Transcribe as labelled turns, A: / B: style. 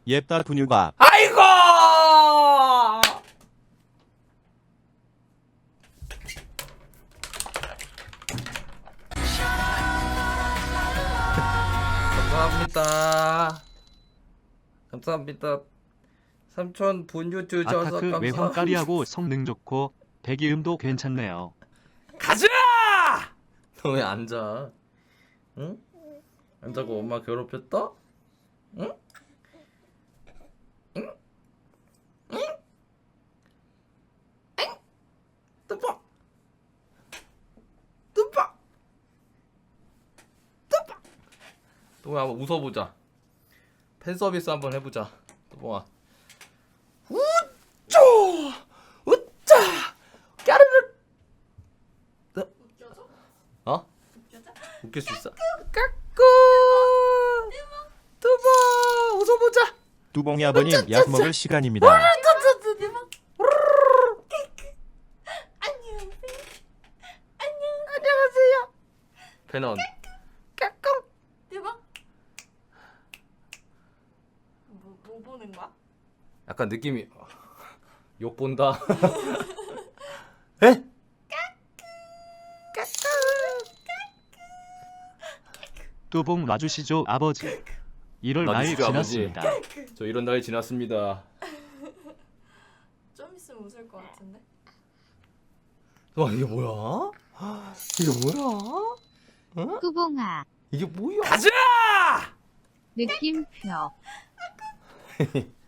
A: 옙다 분유밥.
B: 아이고! 감사합니다. 감사합니다. 삼촌 분유 주셔서
C: 아타크
B: 감사합니다.
C: 외형 까리하고 성능 좋고 배기음도 괜찮네요.
B: 가자! 너 왜 앉아? 응? 앉아고 엄마 괴롭혔다? 응? 응? 응? 응? 뚜벅! 뚜벅! 뚜벅! 뚜벅아 한번 웃어보자. 팬 서비스 한번 해보자. 뚜벅아. 우쭈! 우짜! 까르르!
D: 웃겨줘?
B: 어?
D: 웃겨줘?
B: 웃길 수 있어? 까꾸! 뚜벅! 웃어보자!
A: 뚜봉이 아버님 약 먹을 시간입니다.
D: 대박.
B: 안녕하세요. 배넌. 까꿍!
D: 대박. 뭐 보는 거야?
B: 약간 느낌이 욕 본다. 에?
C: 뚜봉 놔주시죠 아버지. 1월 말
B: 놔주시죠, 아버지.
C: 지났습니다.
B: 저 이런 날이 지났습니다.
D: 좀 있으면 웃을 것 같은데.
B: 와 이게 뭐야? 이게 뭐야?
E: 뚜봉아
B: 이게 뭐야? 가자!
E: 느낌표